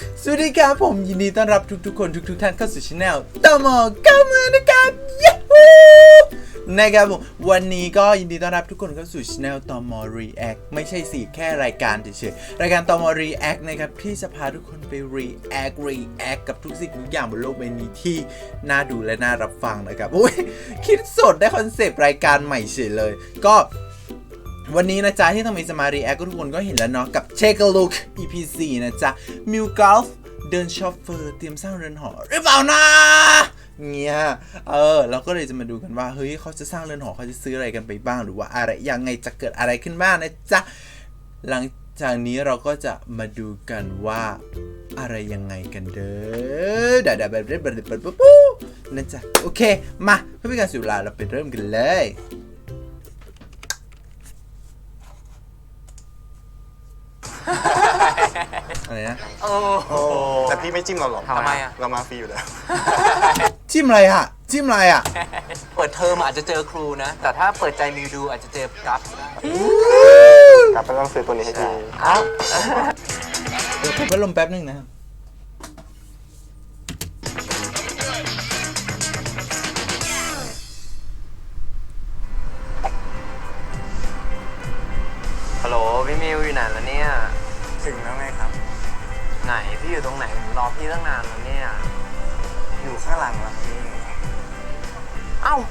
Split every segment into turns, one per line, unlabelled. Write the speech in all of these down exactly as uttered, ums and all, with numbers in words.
สวัสดีครับผมยินดีต้อนรับทุกๆคนทุกๆท่านเข้าสู่ช่องตมเก้ามือนะครับยูฮูนะครับผมวันนี้ก็ยินดีต้อนรับทุกคนเข้าสู่ช่องตม React ไม่ใช่สิแค่รายการเฉยๆรายการตม React นะครับที่จะพาทุกคนไป React React กับทุกสิ่งทุกอย่างบนโลกใบนี้ที่น่าดูและน่ารับฟังนะครับโอ้ยคิดสดได้คอนเซปต์รายการใหม่เฉยเลยก็วันนี้นะจ๊ะที่ทำไมจะมา React ก็ทุกคนก็เห็นแล้วเนาะกับ Take a Look อี พี สี่ นะจ๊ะมิวกอล์ฟเดินช็อปเฟอร์เตรียมสร้างเรือนหอหรือเปล่านะเงี้ยเออเราก็เลยจะมาดูกันว่าเฮ้ยเขาจะสร้างเรือนหอเขาจะซื้ออะไรกันไปบ้างหรือว่าอะไรยังไงจะเกิดอะไรขึ้นบ้างนะจ๊ะหลังจากนี้เราก็จะมาดูกันว่าอะไรยังไงกันเด้อเดี๋ยวเดี๋ยวแบบเริ่มแบบปุ๊บปุ๊บนั่นจ้ะโอเคมาเพื่อเป็นการเสียเวลาเราไปเริ่มกันเลยอะไรนะ
โอ้แต่พี่ไม่จิ้มเราหรอก
ทำไมอ่ะ
เรามาฟรีอยู่แล้ว
จิ้มอะไรฮะจิ้มอะไรอ่ะ
เปิดเทอมอาจจะเจอครูนะ แต่ถ้าเปิดใจมิวดูอาจจะเจอกัฟ
ครับต้องซื้อตัวนี้ให้ดี
อ้าว
เดี๋ยวพัดลมแป๊บนึงนะครับ
ฮัลโหลพี่มิวอยู่ไหนแล้วเนี่ย
ถึงแล้วไงครับ
ไหนพี่อยู่ตรงไหนผมรอพี่ตั้งนานแล้วเนี่ย
อยู่ข้างหลังแล้วพี่
เอ้า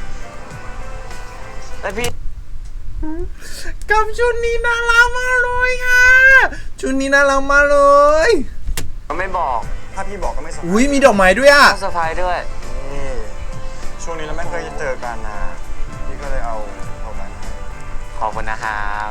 แล้วพี่
กับชุดนี้น่ารักมากเลยค่ะชุดนี้น่ารักมากเลย
ไม่บอก
ถ้าพี่บอกก็ไม่สบาย
อุ้ยมีดอกไม้ด้วยอ่ะ
ต้องเซอร์ไพรส์ด้วย
นี่ช่วงนี้เราไม่เคยเจอกันนะพี่ก็เลยเอาเอามา
ขอบคุณนะครับ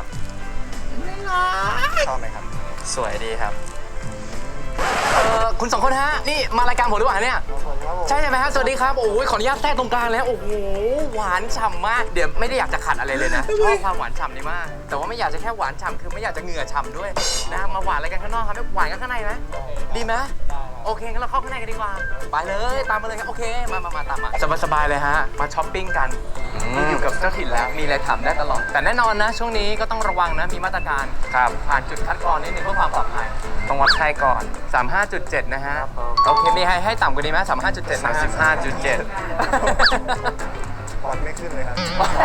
ชอบไหมครับ
สวยดีครับเออคุณสองคนฮะนี่มารายการผมหรือเปล่าเนี่ยใช่ใช่ไหมฮะสวัสดีครับโอ้ยขออนุญาตแทรกตรงกลางแล้วโอ้โหหวานฉ่ำมากเดี๋ยวไม่ได้อยากจะขัดอะไรเลยนะชอบความหวานฉ่ำนี่มากแต่ว่าไม่อยากจะแค่หวานฉ่ำคือไม่อยากจะเหงื่อฉ่ำด้วยนะมาหวานอะไรกันข้างนอกครับไม่หวานกันข้างในไหมดีไหมโอเคงั้นเราเข้าข้างในกันดีกว่าไปเลยตามมาเลยครับโอเคมามามาตามมาสบายๆเลยฮะมาช้อปปิ้งกันอยู่กับเจ้าถิ่นแล้วมีอะไรถามได้ตลอดแต่แน่นอนนะช่วงนี้ก็ต้องระวังนะมีมาตรการครับผ่านจุดคัดกรองนิดนึงเพื่อความปลอดภัยต้องวัดไข้ก่อน สามสิบห้าจุดเจ็ด นะฮะโอเคมีให้ให้ต่ำกว่านี้ไหมสามสิบห้าจุดเจ็ด สามสิบห้าจุดเจ็ด
ปอดไม่ขึ้นเลยครับ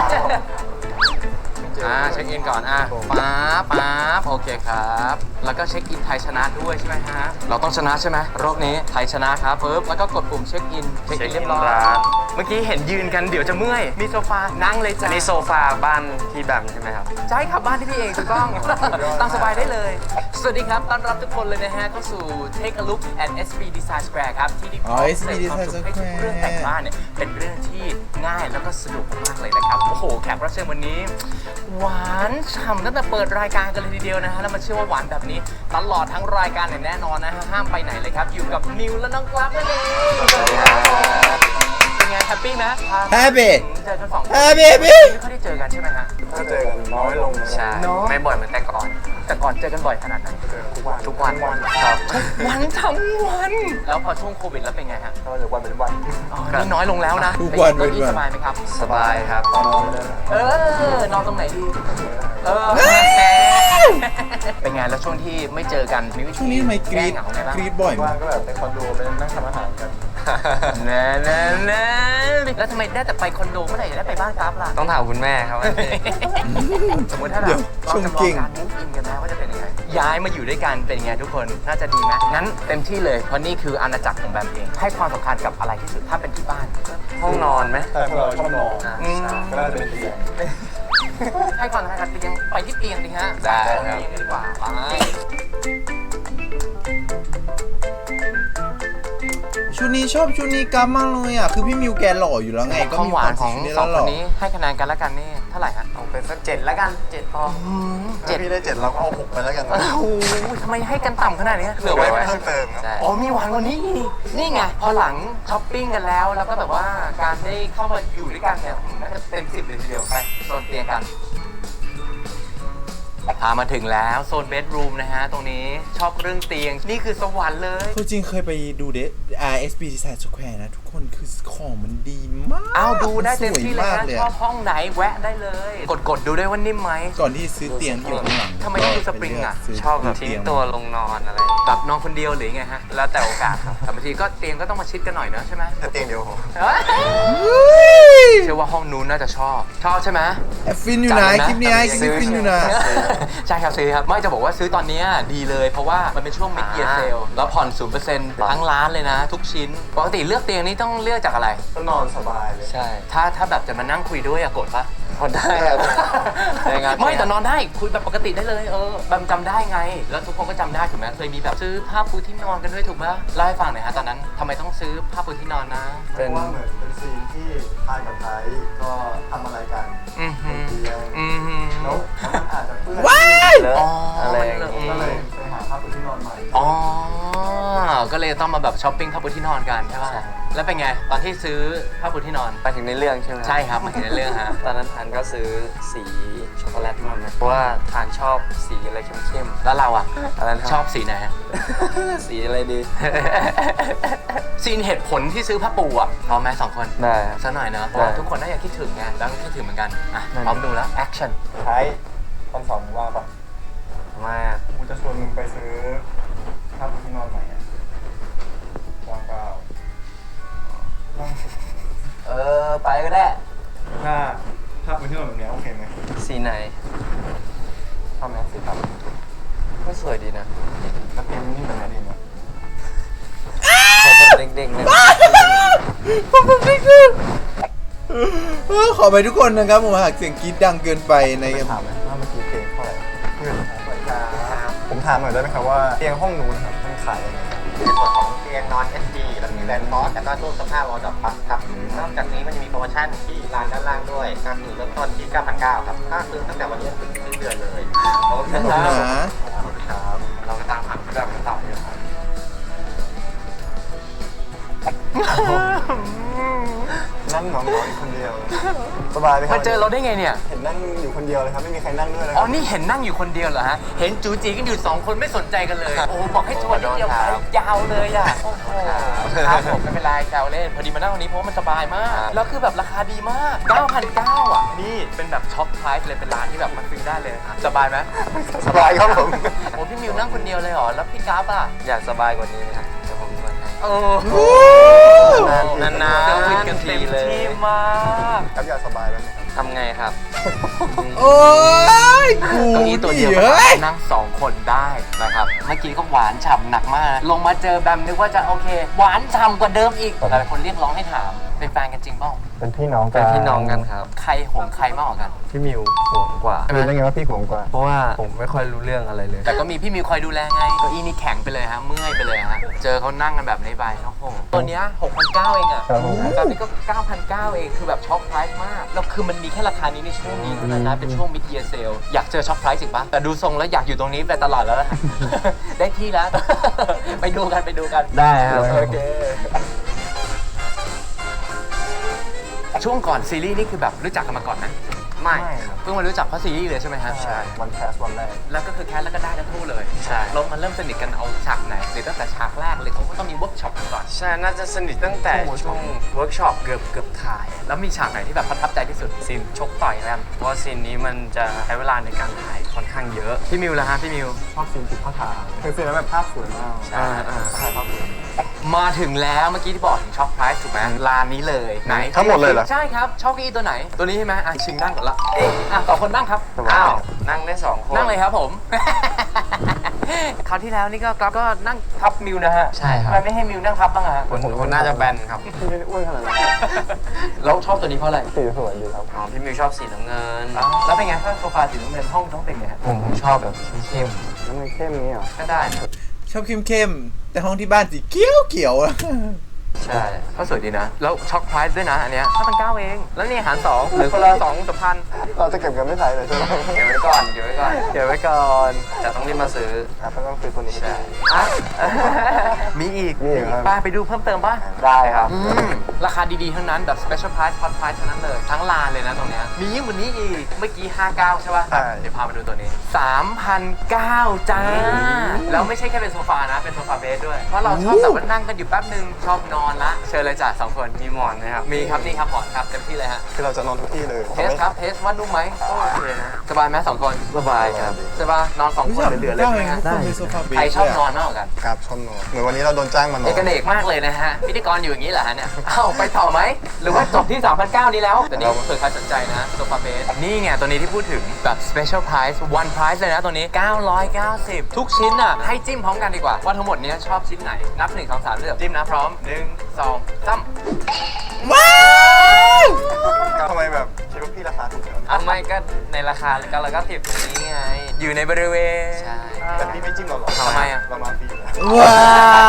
อ่าเช็คอินก่อนอ่ะป๊าบป๊าบโอเคครับแล้วก็เช็คอินไทยชนะด้วยใช่ไหมฮะเราต้องชนะใช่ไหมรอบนี้ไทยชนะครับปึ๊บแล้วก็กดปุ่มเช็คอินเช็คอินเรียบร้อยเมื่อกี้เห็นยืนกันเดี๋ยวจะเมื่อยมีโซฟานั่งเลยจ้ะนี่โซฟาบ้านพี่แบมใช่ไหมครับใช่ครับบ้านที่พี่เองถูกต้องตั้งสบายได้เลยสวัสดีครับต้อนรับทุกคนเลยนะฮะเข้าสู่ Take a Look at เอส บี Design Square ครับที่ที่พร้อมเสนอความสุขให้ทุกเรื่องแต่งบ้านเนี่ยเป็นเรื่องที่ง่ายแล้วก็สะดวกมากเลยนะครับโอ้โหแขกรับเชิญวันนี้หวานฉ่ำตั้งแต่เปิดรายการกันเลยทีเดียวนะฮะแล้วมาเชื่อว่าหวานแบบนี้ตลอดทั้งรายการเนี่ยแน่นอนนะฮะห้ามไปไหนเลยครับอยู่กับนิวและน้องกราฟนั่นเองเป็นไงแฮปปี้ไหม
แฮปปี้
เจอกันสองคน
แฮปปี้พี่
ไม่ค่อยได้เจอกันใช่ไหมฮะ
ถ้าเจอกันน้อยลง
ใช่ไม่บ่อยเหมือนแต่ก่อนแต่ก่อนเจอกันบ่อยขนาดไหน
ทุกวัน
ทุกวันครับวันทั้งวันแล้วพอช่วงโควิดแล้วเป็นไงฮะ
ก็จากวันเป็นวัน
นี่น้อยลงแล้วนะ
ทุกวันเป็น
วันสบายไหมครับ
สบายครับ
เออนอนตรงไหนดีเออเป็นไงแล้วช่วงที่ไม่เจอกันมีวิธี
ช่วงนี้ทำไมกรี๊ดกรี๊ดบ่อย
ว่างก็แบบไปคอนโดไปนั่งทำอาหารกัน
แน่แน่แน่แล้วทำไมได้แต่ไปคอนโดเมื่อไหร่จะได้ไปบ้านกราฟล่ะ
ต้องถามคุณแม่ครับ
สมมติถ้าเราเราจำลองการมูฟอินกันนะว่าจะเป็นยังไงย้ายมาอยู่ด้วยกันเป็นยังไงทุกคนน่าจะดีไหมงั้นเต็มที่เลยเพราะนี่คืออาณาจักรของแบมเองให้ความสำคัญกับอะไรที่สุดถ้าเป็นที่บ้าน
ห้องนอนไหม
แต่พวกเราชอบนอนก็น่าจะเป็นเตียง
ให้ความสำคัญกับเตียงไปที่เตียงดิฮะ
ได้ครับ
ดีกว่าไป
ชุดนี้ชอบชุดนี้กัมมากเลยอ่ะคือพี่มิวแกหล่ออยู่แล้วไงก็
มีความของสองคนนี้ให้คะแนนกันแล้วกันนี่เท่าไหร่ฮะ
เอาเป็นสักเจ็ดแล้วกันเจ็ดพอ
เจ็ดพี่ได้เจ็ดเราก็เอาหกไปแล้วกัน
โอ้โหทำไมให้กันต่ำขนาดนี้เหลือไว้
เพิ่มเติมครับ
อ๋อมีหวานกว่านี้นี่ไงพอหลังช้อปปิ้งกันแล้วแล้วก็แบบว่าการได้เข้ามาอยู่ด้วยกันเนี่ยน่าจะเต็มสิบเลยทีเดียวไปโซนเตียงกันพามาถึงแล้วโซนเบดรูมนะฮะ ตรงนี้ชอบเรื่องเตียง นี่คือสวรรค์เลย
คือจริงเคยไปดูเด อาร์ เอส บี Design Square นะทุกคนคือของมันดีมาก
เอาดูได้เต็มที่เลย
สว
นะ
มาก
ชอบห้องไหนแวะได้เลย กดกดดูได้ว่านิ่มไหม
ก่อนที่ซื้อเตียงที่อยู่ข้างหลัง
ทำไมต้องดูสปริงอะ
ไปเลืกซื้
ชอบแบบ
เตี
ทิ้
ย
งตัวลงนอนอะไร
แบบนอนคนเดียวหรือไงฮะ แล้วแต่โอกาสครับแต่บางทีก็เตียงก็ต้องมาชิดกันหน่อยเนอะใช่ไหม
แต่เตียงเดียวพอ
เฮ้ย
เฮ้ย
เชื่อว่าห้องนู้นน่าจะชอบ ชอบใช่ไหม
ฟินอยู่ไหนคลิปนี้ไอ้คลิปฟินอยู่ไหน
ใช่ครับซื้อครับ ไม่จะบอกว่าซื้อตอนเนี้ยดีเลยเพราะว่ามันเป็นช่วง mid year sale แล้วผ่อน ศูนย์เปอร์เซ็นต์ ทั้งร้านเลยนะ ทุกชิ้น ปกติเลือกเตียงนี้ต้องเลือกจากอะไร
ก็นอนสบายเลย
ใช่
ถ้าถ้าแบบจะมานั่งคุยด้วยอะโกรธปะ
พอได้ครับได้ครับ
ไม่แต่นอนได้คุยแบบปกติได้เลยเออแบบจำได้ไง แล้วทุกคนก็จำได้ถูกไหมเคยมีแบบซื้อผ้าปูที่นอนกันด้วยถูกไหมเล่าให้ฟังหน่อยฮะตอนนั้นทำไมต้องซื้อผ้าปูที่นอนนะ
เพราะว่าเหมือนเป็นซีนที่ทายกับไทยก็ทำอะไรกัน
อือหือ
เตียง
อือหือ
แล้วมันอาจจะเปื้อน
ว้าย
เลอะ
อ๋ออ
อะไรอย่างงี้
ก็เลยไปหาผ้าปูที่นอนใหม่
อ๋อก็เลยต้องมาแบบช้อปปิ้งผ้าปูที่นอนกันใช่ป่ะ
ใช่
แล้วเป็นไงตอนที่ซื้อผ้าปูที่นอน
ไปถึงในเรื่องใช่ไหม
ใช่ครับมาเห็นในเรื่องฮะ
ตอนนั้นทานก็ซื้อสีช็อกโกแลตมาไหมเพราะว่าทานชอบสีอะไรเข้ม
แล้วเราอ่ะ
ๆอะไรนะ
ชอบสีไหนฮะ
สีอะไรดี
ซีนเหตุผลที่ซื้อผ้าปูอ่ะพร้อมไหมสองคน
ได้ครับ
สักหน่อยเนอะเพ
ได้
ราะว่าทุกคนน่าจะคิดถึงไงแล้วก็คิดถึงเหมือนกันอ่ะ
นั่น
พร้อมดูแล้วแอคชั่น
ไทยตอนสองมึงว่างปะ
มา
กูจะชวนมึงไปซื้อผ้าปูที่นอนใหม่อะว่างเปล่า
เออไปก็ได้
ถ้าผ้าปูที่นอนแบบเนี้ยโอเคไหม
สีไหน
ชอบไหมสีดำ
ก็สวยดีนะ
แล้วเตียงนี่แบบไหนดีเนี่ย
ผมเป็นเด็กๆนะ
เออขอไปทุกคนนะครับผมหากเสียงกรี๊ดดังเกินไปใน
ไปถามไหมว่าเมื่อกี้เตียงเท่าไหร่เพื่อนผมถามหน่อยได้ไหมครับว่าเตียงห้องนู้นครับมันขายยังไง
ในส่วนของเตียงนอน เอส ดี แล้วมีแบนฟอสแล้วก็ตู้เสื้อผ้าวอลดอปปั๊บครับ นอกจากนี้มันจะมีโปรโมชั่นที่ร้านด้านล่างด้วยก็คือเริ่มต้นที่ เก้าพันเก้า ครับถ้าซื้อตั้งแต่วันนี้ถึงสิ้นเดือนเลยโอเค
ขอบ
ค
คุณ
รับ
นะ
ครับ เราก็ตามหาเรื่องต่ออยู่ครับ
นั่งหนอนๆอยู่คนเดียว สบายไหมครั
มาเจอเราได้ไงเนี่ย
เห็นนั่งอยู่คนเดียวเลยครับ ไม่มีใครนั่งด้วยเลยค
อ๋
รั
อ นี่เห็นนั่งอยู่คนเดียวเหรอฮะ เห็นจูจีกันอยู่สองคนไม่สนใจกันเลย โอ้โหบอกให้ชวนนิดเดียวไปยาวเลยอ่ะ โอ้โหครับผมไม่เป็นไรแซวเล่น พอดีมานั่งตรงนี้เพราะว่ามันสบายมาก แล้วคือแบบราคาดีมาก เก้าพันเก้า อ่ะ นี่เป็นแบบช็อปไพรส์เลยเป็นร้านที่แบบมาซื้อได้เลย สบายไหม
สบายครับผม
โอ้พี่มิวนั่งคนเดียวเลยเหรอ แล้วพี่กราฟอ่ะ
อยากสบายกว่านี้ไหมครับเดี๋ยวผมนวดให้
โอ้โห
นานๆ
เซอร์วิส
กั
กัน
นที
เต็ม
เลย
ที่มาก
ครับอยากสบายแล้วไหมครับ
ทำไงครับ
โอ้ยกู
เก้าอี้ตัวเดียว
เฮ้ย
นั่งสองคนได้นะครับ เมื่อกี้ก็หวานฉ่ำหนักมาก ลงมาเจอแบมนึกว่าจะโอเค หวานฉ่ำกว่าเดิมอีกหลายคนเรียกร้องให้ถาม เป็นแฟนกันจริงเปล่า
เป็นพี่น้องกั
เป็น นพี่น้องกันครับ
ใครหวงใครมากกว่ากัน
พี่มิวห่วงกว่า
รู้ได้ไงว่าพี่ห่วงกว่า
เพราะว่าผมไม่ค่อยรู้เรื่องอะไรเลย
แต่ก็มีพี่มิวคอยดูแลไงเก้าอี้นี่แข็งไปเลยฮะ เมื่อยไปเลยฮะ เจอเขานั่งกันแบบนี้ไปโอ้โหตัวเนี้ยหกพันเก้าเองอะ
ครับผม
ตอนนี้ก็ เก้าพันเก้า เอง คือแบบช็อปไพรส์มาก แล้วคือมันมีแค่ราคานี้ในช่วงนี้เท่านั้นนะ เป็นช่วง mid year sale อยากเจอช็อปไพรส์อีกปะแต่ดูทรงแล้วอยากอยู่ตรงนี้ไปตลอดแล้วนะ ได้ที่แล้ว ไปดูกันไปดูกัน
ได้ครับ
โอเค ช่วงก่อนซีรีส์นี่คือแบบรู้จักกันมาก่อนไหม
ไม่
ครับ
เพิ่งมารู้จักเพราะซีรีส์เลยใช่ไหมฮะ
ใช่ วันแคสวันแรก
แล้วก็คือแคสแล้วก็ได้ทั้งคู่เลย
ใช่
เรามาเริ่มสนิทกันเอาฉากไหนหรือตั้งแต่ฉากแรกเลยเขาก็ต้องมีเวิร์กช็อปกันก่อน
ใช่ น่าจะสนิทตั้งแต่ช่วงเวิร์กช็อปเกือบเกือบถ่าย
แล้วมีฉากไหนที่แบบประทับใจที่สุด
ซีนชกต่อยกัน เพราะว่าซีนนี้มันจะใช้เวลาในการถ่ายค่อนข้างเยอะ
พี่มิวล่ะฮะพี่มิว
ชอบซีนจุดผ้าขาวคือซีนนั้นแบบภาพสวยมาก
อ่าอ่า
ถ่ายภาพสวย
มาถึงแล้วเมื่อกี้ที่บอกถึงช็อปไพรส์ถูกไหมร้านนี้เลยไหน
ทั้งหมดเลยเหรอ
ใช่ครับชอบเก้าอี้ตัวไหน ตัวนี้ใช่ไหมอ่ะชิงนั่งก่อนละอ่ะสองคนนั่งครับ
อ้าว นั่งได้สองคน
นั่งเลยครับผม คราวที่แล้วนี่ก็กราฟก็นั่งทับมิวนะฮะ
ใช่ครับ
ทำไมไม่ให้มิวนั่งทับบ้างอะฮะ
คนคนน่าจะแบนครับ
พี่ไม่ได้อ้วนขนาดนั้น
แล้วชอบตัวนี้เพราะอะไร
สีสวยดีครับ
อ๋อ พี่มิวชอบสีน้ำเงิน
แล้วเป็นไงถ้าโซฟาสีน้ำเงินห้องต้องเป็นไงฮะ
ผมผมชอบแบบเข้ม
แล้วมันเข้มนี้เหรอ
ก็ได้
ชอบเข้มๆแต่ห้องที่บ้านสีเขียวเขียวๆอะ
ๆใช่
ก็สวยดีนะ แล้วช็อคไพรส์ด้วยนะอันเนี้ยห้าพันเก้าเอง แล้วนี่หารสองหรือคนละสองสามพัน
เราจะเก็บเงินไม่ใช้เลยใช่ไหม
เดี๋ยวไว้ก่อน เดี๋ยวไว้ก่อน
เดี๋ยวไว้ก่อน
แต่ต้องรีบมาซื้อ
ครับก็ต้องซื้อตัวนี้
ใช่
อ่ะ มีอีก
มีอีกครับ
ป้าไปดูเพิ่มเติมป่ะ
ได้ครับ
อืมราคาดีๆทั้งนั้นแบบ special price hot price ทั้งนั้นเลยทั้งลานเลยนะตรงเนี้ยมียิ่งกว่านี้อีกเมื่อกี้ห้าสิบเก้าใช่ป่ะ
ใช่
เดี๋ยวพามาดูตัวนี้ สามพันเก้าร้อย จ้าแล้วไม่ใช่แค่เป็นโซฟานะเป็นโซฟาเบสด้วยเพราะเราชอบแบบว่านั่งกันอยู่แป๊บนึงชอบนอนละเชิญเลยจ้ะสองคนมีหมอนไหมครับมีครับนี่ครับหมอนครับเต็มที่เลยฮะ
คือเราจะนอนทุกที่เลย
เทสครับเทสว่านุ่มไหมก็โอเคนะสบายไหมสองคน
สบายครับ
ใช่ป่ะนอนสอง
รู้
คน
จัก
เหลือๆเลย
ได้
ใช่ไหมฮะ
ทุกคนมีโซฟาเบส
ใครชอบนอน
เลยะ
มากกว่ากัน
ครับชอบนอนเหมือนวันนี้เราโดนจ้างมานอน
เอกเนกมากเลยนะฮะพิธีกรอยู่อย่างนี้เหรอฮะเนี่ยเอ้าไปต่อไหมหรือว่าจบที่ สามพันเก้าร้อย นี้แล้วแต่นี่เผื่อใครสนใจนะโซฟาเบสนี่ไงตัวนี้ที่พูดถึงแบบ special price one price เลยนะตัวนี้เก้าร้อยเก้าสิบทุกชิ้นอ่ะให้จิ้มพร้อมกันดีกว่าว่าทั้งหมดเนี้ยชอบชิ้นไหนนับหนึ่งสองสามเลือกจิ้มนะพร้อมหนึ่งสองสาม
ว้าว
ทำไมแบบคิดว่าพี่ราคาถูกจัง
อ่ะไม่ก็ในราคาก็เราก็ติดตรงนี้ไง
อยู่ในบริเวณ
ใช่
แต่พี่ไม่จิ้มเราหรอก
ทำไมอะ
เรามาฟรีอยู่แล้ว
ว้าว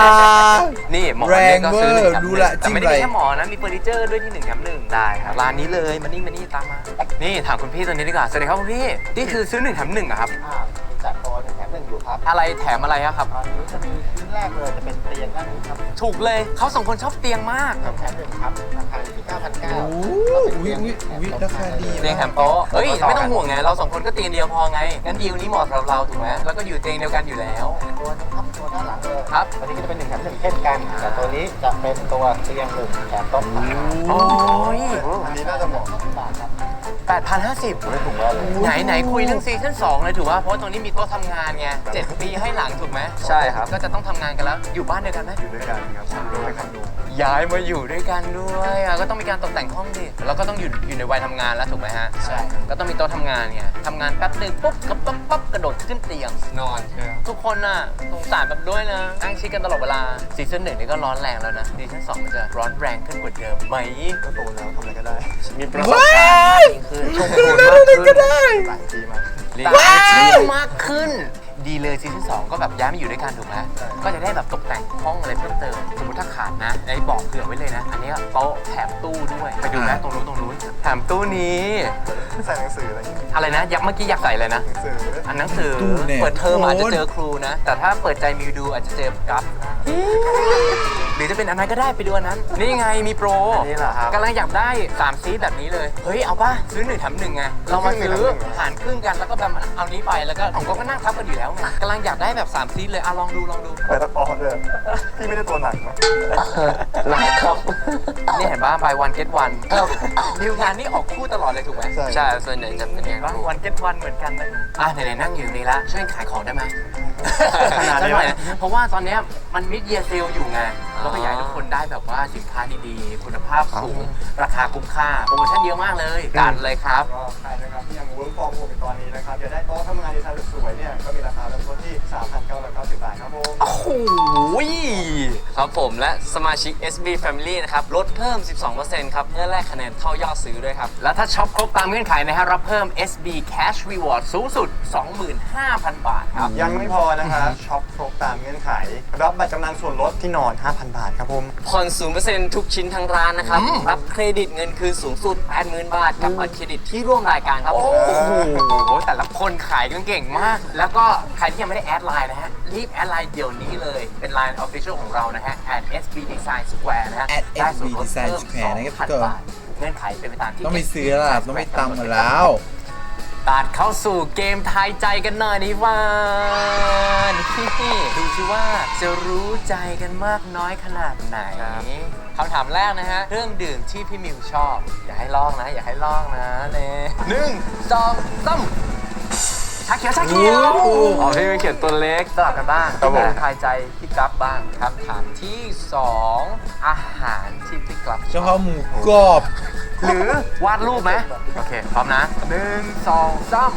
นี่หมอน
แรง
เนี่ยก็ซื้อหนึ่งแถมห
เวอร์ดู
นึ่ง
ละ
แต่ไม่ได้
จิ้มอะไร
มีแค่หมอนนะมีเฟอร์นิเจอร์ด้วยที่หนึ่งแถมหนึ่งได้ครับร้านนี้เลยมานี่มานี่ตามมานี่ถามคุณพี่ตัวนี้ดีกว่าสวัสดีครับคุณพี่นี่คือซื้อหนึ่งแถมหนึ่งอะครับ
อ่ามีจัดโปรหนึ่งแถมหนึ่งอยู่ครับ
อะไรแถมอะไรอะครับ
ตอนนี้จะมีชิ้นแรกเลยจะเป็นเตียงด้านนี้ครับ
ถูกเลยเขาสองคนชอบเตียงมาก
หนึ่งแถมหนึ่งครับราคาอยู่ที่เก้าพันเก้า
โอ้วิวิวิราคาดี
เตียงแถมโต๊ะเฮ้ยไม่ต้องห่วงไงเราสองคนก็เตียงเดียวพอไงงั้นดีลนี้เหมาะสำหรับเราถูกไหมแล้วก็อยู่เตียงเดียวกันอยู่แล้ว
ตัวนี้ครับตัวด้านหลังเลย
ครับ
ตัวนี้ก็จะเป็นหนึ่งแถมหนึ่งเช่นกันแต่ตัวนี้จะเป็นตัวเตียงหนึ่งแถมโต๊ะสาม
โอ้ย
อันนี้น่าจะเหมาะ
บาทครับ
แปดพันห้าสิบ
ไม่ถูกแล้วเลย
ไหนไหนคุยเรื่องซีซั่นสองเลยถือว่าเพราะตรงนี้มีโต๊ะทำงานไงเจ็ดปีให้หลังถูกไหม
ใช่ครับ
ก็จะต้องทำงานกันแล้วอยู่บ้านเดียวกันไหม
อยู่ด้วยกันครับคอนโดคอนโด
ย้ายมาอยู่ด้วยกันด้วยอ่ะก็ต้องมีการตกแต่งห้องดิแล้วก็ต้องอยู่อยู่ในวัยทำงานแล้วถูกไหมฮะ
ใช่
ก็ต้องมีโต๊ะทำงานไงทำงานแป๊บหนึงปุ๊บก็ปั๊บปั๊บกระโดดขึ้นเตียง
นอนใช่ไหม
ทุกคนน่ะสงสารแบบด้วยนะนั่งชิดกันตลอดเวลาซีซั่นหนึ่งนี่ก็ร้อนแรงแล้วนะซีซั่นสองมันจะร้อนแรงขึ้นกว่าเดิมไหม
ก็โตแล้วทำอะไรก็ได้
มีประสบการณ์จริงคือชมพูมากขึ้น
หลายปีมาก
ตามชื่อมากขึ้น ดีเลยซีซั่นสองก็แบบย้ายมาอยู่ด้วยกันถูกไหมก็จะได้แบบตกแต่งห้องอะไรเพิ่มเติมสมมติถ้าขาดนะไอ้บอกเผื่อไว้เลยนะ อันนี้ก็โต๊ะแถมตู้ด้วยไปดูนะตรงนู้นตรงนู้นแถมตู้นี้
ใส่หนังสืออะไรอย่างเงี้ย
อะไรนะยักษ์เมื่อกี้อยากใส่เลยนะ
หนังสือ
อันหนังสือ
ตู้เนี่ย
เปิดเทอมอาจจะ
โคน
เจอครูนะ แต่ถ้าเปิดใจมิวดูอาจจะเจอกัฟหรือจะเป็นอันนั้นก็ได้ไปดูอันนั้น นี่ไงมีโปร
อันนี้เหรอครับ
กำลังอยากได้สามซีทแบบนี้เลย เฮ้ย เอาป่ะ ซื้อหนึ่งแถมหนึ่งไง เรามาซื้อหารครึ่งกันแล้วก็แบบเอานี้ไปแล้วก็ของก็นั่งทับกันอยู่แล้วไงกำลังอยากได้แบบสามซีทเลยอ่ะลองดูลองดู
ไปตัดออด้วยพี่ไม่ได้ตัวหนักเนอะ
หลักครับ
นี่เห็นป่ะ buy one get one ดีลงานนี่ออกคู่ตลอดเลยถูกไหม
ใช่
ใช่ส่วนใหญ่จะเป็นอย่าง
ว่า
นั้น
วันเก็ตวันเหมือนกันนะอ่ะไหนๆนั่งอยู่นี่ละช่วยขายของได้ไหม
ขนาด
สัก
นี้
หน่
วะ
อยนะเพราะว่าตอนเนี้ยมันมิดเยียเซลอยู่ไงเราก็อยากให้ทุกคนได้แบบว่าสินค้าดีๆ คุณภาพสูง ราคาคุ้มค่า โปรโมชั่นเยอะมากเลยจัดเลยครับ
ก็ใครนะครับที่ยัง work from home อยู่ตอนนี้นะครับอยากได้โต๊ะทำงานดีไซน์สวยๆเนี่ยก็มีราคาเริ่มต้นที่ สามพันเก้าร้อยเก้าสิบ บาทครับผม
โอ้โห
ครับผมและสมาชิก เอส บี Family นะครับลดเพิ่ม สิบสองเปอร์เซ็นต์ ครับเมื่อแลกคะแนนเท่ายอดซื้อด้วยครับ
แล้วถ้าช็อปครบตามเงื่อนไขนะฮะรับเพิ่ม เอส บี Cash Reward สูงสุด สองหมื่นห้าพัน บาทครับ
ยังไม่พอนะครับช็อปครบตามเงื่อนไข รับบัตรกำนันส่วนลดที่นอน ห้าพัน บาทครับผม
ผ่อน ศูนย์เปอร์เซ็นต์ ทุกชิ้นทั้งร้านนะครับ
อืม
รับเครดิตเงินคืนสูงสุด แปดหมื่น บาท กับบัตรเครดิตที่ร่วมรายการครับ
โอ้โห แต่ละคนขายกันเก่งมาก แล้วก็ใครที่ยังไม่ได้แอดไลน์นะฮะ รีบแอดไลน์เดี๋ยวนี้เลย เป็นไลน์ Official ของเรานะฮะ at เอส บี Design Square นะฮะ
at
ได้ส่วนลด
Design
เพิ่ม
Square นะครับ
สองพัน
ทุกคน
บาทเงื่อนไขเป็นไปตามที่
ต้องมีซื้อแล้วล่ะต้องมีตังค์มาแล้ว
ตัดเข้าสู่เกมทายใจกันหน่อยดีว่านี่ดูสิว่าจะรู้ใจกันมากน้อยขนาดไหนคำถามแรกนะฮะเครื่องดื่มที่พี่มิวชอบ อย่าให้ลองนะ อย่าให้ลองนะเน่หนึ่งสองสามชาเขียวชาเขียว
โอ้โห
อ๋อพี่มิวเขียนตัวเล็กสลับกันบ้าง
ครับผม
ทายใจพี่กราฟบ้างคำถามที่สองอาหารที่พี่กราฟ
เฉพาะหมูกรอบ
หรือวาดรูปไหมโอเค พร้อมนะหนึ่งสองสาม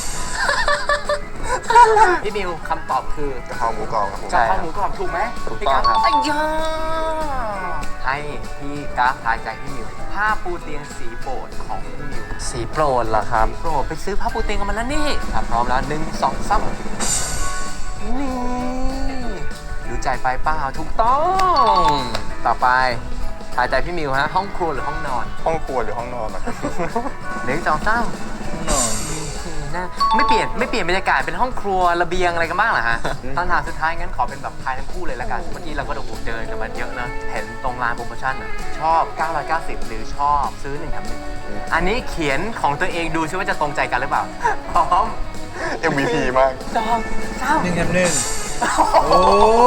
พี่มิวคำตอบคือก
ะเพราหมูกรอบครับผม
กะเพราหมูกรอบถูกไหม
ถูกต้องครับ
ไอ้ยาให้พี่กราฟทายใจพี่มิวผ้าปูเตียงสีโปรดของพี่มิว
สีโปรดเหรอครับ
โปรดไปซื้อผ้าปูเตียงกันมาแล้วนี่ถ้าพร้อมแล้วหนึ่งสองสามนี่ดูใจไปเปล่าถูกต้อง ต่อไปทายใจพี่มิวฮะห้องครัวหรือห้องนอน
ห้องครัวหรือห้องนอนนะครับ
หนึ่งสองสาม
นอน
หน้าไม่เปลี่ยนไม่เปลี่ยนบรรยากาศเป็นห้องครัวระเบียงอะไรกันบ้างเหรอฮะตอนถามสุดท้ายงั้นขอเป็นแบบทายทั้งคู่เลยละกันเมื่อกี้เราก็ดูเดินกันมาเยอะนะเห็นตรงร้านโปรโมชั่นอ่ะชอบเก้าร้อยเก้าสิบหรือชอบซื้อหนึ่งแถมหนึ่งอันนี้เขียนของตัวเองดูซิว่าจะตรงใจกันหรือเปล่าพร้อม
เอ็ม วี พี มาก
สองสาม
หนึ่งแถมหนึ่งโอ้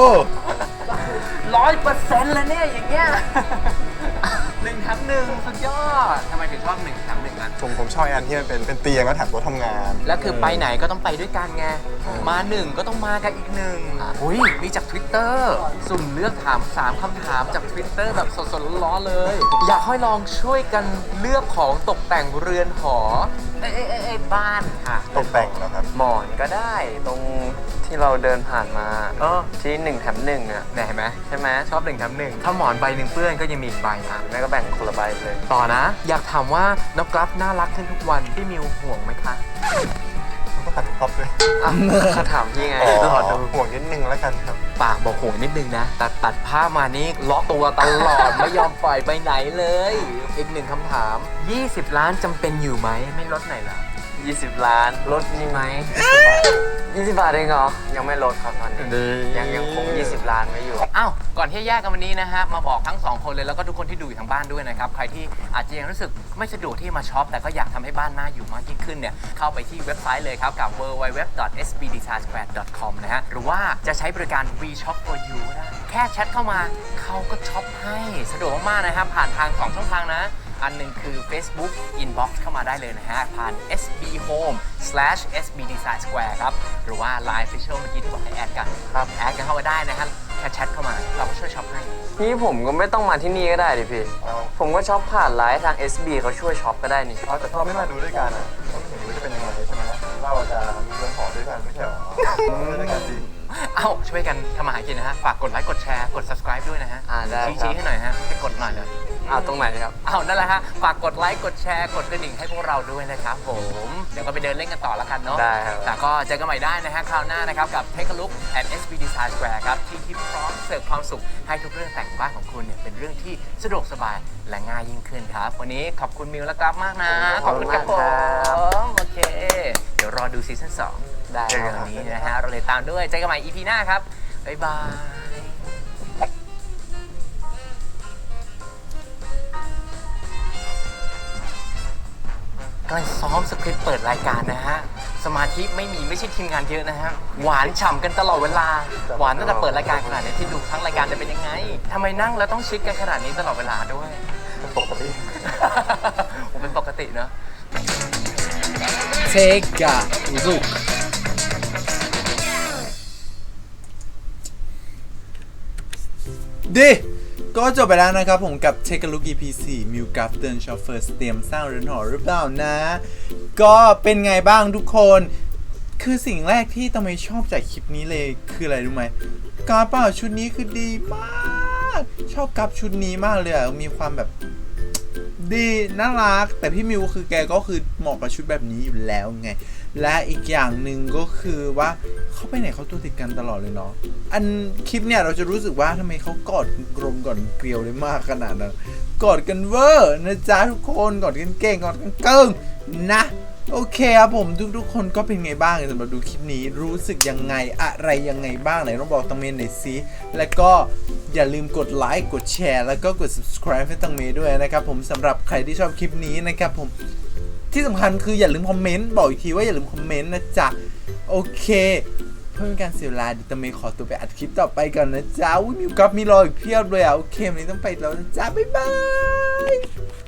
ร้อยเปอร์เซ็นต์แล้วเนี่ยอย่างเงี้ยหนึ่งแถมหนึ่งสุดยอดทำไมถึงชอบหนึ่งแถมหนึ่งอ่ะ
ผมผมชอบอันที่มันเป็นเป็นเตียงแล้วแถมโต๊ะทำงาน
แล้วคือไปไหนก็ต้องไปด้วยกันไง มาหนึ่งก็ต้องมากันอีกหนึ่งอุ้ยมีจาก Twitter สุ่มเลือกถามสามคำถามจาก Twitter แบบสดๆร้อนๆเลย อยากให้ลองช่วยกันเลือกของตกแต่งเรือนหอ เอ้ยเอ้ยเอ้ยเอ้ยบ้านค่ะ
ตกแต่งแล้วครับ
หมอนก็ได้ตรงที่เราเดินผ่านมา
เออ
ที่หนึ่งแถมหนึ่งอ่ะ
เนี่ยเห็นไหม
ใช่ไหม
ชอบหนึ่งแถมหนึ่งถ้าหมอนใบหนึ่งเปื้อนก็ยังมีอีกใบอ่ะ
แม่ก็แบ่งคนละใบเลย
ต่อนะ อยากถามว่าน้องกราฟน่ารักขึ้นทุกวันพี่มิวห่วงไหมคะ
ก็ตัดครอบด้วย
อ่ะเขาถามพี่ไง
อ๋อ
ตลอดดู
ห่วงนิดนึงแล้วกันครับ
ปากบอกห่วงนิดนึงนะตัดตัดผ้ามานี่ล็อกตัวตลอด ไม่ยอมปล่อยไปไหนเลย อีกหนึ่งคำถาม ยี่สิบ ล้านจำเป็นอยู่ไหมไม่ลดไหนอยเหรอ
ยี่สิบ ล้านลดมีไหมยี่สิบบาทเองเหรอ ยังไม่ลดครับตอนนี้ ยังยังคงยี่สิบ ล้านไว้อยู่
อ้าว ก่อนที่จะแยกกันวันนี้นะฮะ มาบอกทั้งสองคนเลยแล้วก็ทุกคนที่ดูอยู่ทางบ้านด้วยนะครับ ใครที่อาจจะยังรู้สึกไม่สะดวกที่มาช็อป แต่ก็อยากทำให้บ้านน่าอยู่มากยิ่งขึ้นเนี่ย เข้าไปที่เว็บไซต์เลยครับ กับ ดับเบิลยู ดับเบิลยู ดับเบิลยู ดอท เอส บี ดี ไซน์ สแควร์ ดอท คอม นะฮะ หรือว่าจะใช้บริการ We Shop for You ก็ได้ แค่แชทเข้ามาเขาก็ช็อปให้สะดวกมากๆนะครับผ่านทางสองช่องทางนะ อันหนึ่งคือ Facebook Inbox เข้ามาได้เลยนะฮะ ผ่าน เอส บี Home สแลช เอส บี Design Square ครับ หรือว่า ไลน์ Official เมื่อกี้ที่บอกให้แอดกันครับแอดกันเข้ามาได้นะฮะแค่แชทเข้ามาเราก็ช่วยช็อปให้
นี่ผมก็ไม่ต้องมาที่นี่ก็ได้ดิพี่ ผมก็ช็อปผ่านไลน์ทาง เอส บี เขาช่วยช็อปก็ได้นี่
เอาแต่ถ้าเราไม่มาดูด้วยกันอ่ะก็ไม่เห็นว่าจะเป็นยังไงใช่ไหมเราจะมีเรือนหอด้วยกันไม่ใช่หรอด้วยกันดี
เอ้า ช่วยกันทำมาหากินนะฮะ ฝากกดไลค์กดแชร์กด subscribe ด้วยนะฮะ
อ่าได้
ชี้
ครับ
ๆให้หน่อยฮะ ให้กดหน่อยเลย
อ้าวตรงไหนครับ
เอานั่นแหละฮะ ฝากกดไลค์กดแชร์กดกระดิ่งให้พวกเราด้วยนะครับผม เดี๋ยวก็ไปเดินเล่นกันต่อแล้วกันเนาะ
ได้ครับ
แต่ก็เจอกันใหม่ได้นะฮะคราวหน้านะครับกับ Take a look at เอส บี Design Square ครับที่ที่พร้อมเสิร์ฟความสุขให้ทุกเรื่องแต่งบ้านของคุณเนี่ยเป็นเรื่องที่สะดวกสบายและง่ายยิ่งขึ้นครับ วันนี้ขอบคุณมิวและกราฟมากนะ ขอบคุณครับผมโอเค เดี๋ยวรอดูซีซั่นสอง
ได้
เร็วๆนี้นะฮะเราเลยตามด้วยเจอกันใหม่ อี พี หน้าครับบ๊ายบายกำลังซ้อมสคริปต์เปิดรายการนะฮะ สมาธิไม่มีไม่ใช่ทีมงานเยอะนะฮะ หวานฉ่ำกันตลอดเวลา หวานตั้งแต่เปิดรายการขนาดนี้ที่ดูทั้งรายการจะเป็นยังไงทำไมนั่งแล้วต้องชิดกันขนาดนี้ตลอดเวลาด้วย
ปกติ
ผมเป็นปกติเนอะ
Take a look ดีก็จบไปแล้วนะครับผมกับ Take a look อี พี สี่ มิวกับเดินชอฟเฟอร์เตรียมสร้างเรือนหอหรือเปล่านะ ก็เป็นไงบ้างทุกคน คือสิ่งแรกที่ตำไมชอบจากคลิปนี้เลยคืออะไรรู้ไหมกราฟเปล่าชุดนี้คือดีมาก ชอบกราฟชุดนี้มากเลยอะมีความแบบดีน่ารักแต่พี่มิวคือแกก็คือเหมาะกับชุดแบบนี้อยู่แล้วไงและอีกอย่างหนึ่งก็คือว่าเขาไปไหนเขาตัวติดกันตลอดเลยเนาะอันคลิปเนี่ยเราจะรู้สึกว่าทำไมเขากอดกลมกอดเกลียวเลยมากขนาดนั้นกอดกันเวอร์นะจ๊ะทุกคนกอดกันเก่งกอดกันเกิงนะโอเคครับผมทุกๆคนก็เป็นไงบ้างสำหรับดูคลิปนี้รู้สึกยังไงอะไรยังไงบ้างไหนต้องบอกตังเมนหน่อยสิแล้วก็อย่าลืมกดไลค์กดแชร์แล้วก็กด subscribe ให้ตังเมด้วยนะครับผมสำหรับใครที่ชอบคลิปนี้นะครับผมที่สำคัญคืออย่าลืมคอมเมนต์บอกอีกทีว่าอย่าลืมคอมเมนต์นะจ๊ะโอเคเพื่อเป็นการเสียเวลาดิตังเมขอตัวไปอัดคลิปต่อไปก่อนนะจ๊ะอุ้ยมีกับมีรออีกเพียบเลยอ่ะโอเควันนี้ต้องไปแล้วนะจ๊ะบ๊ายบาย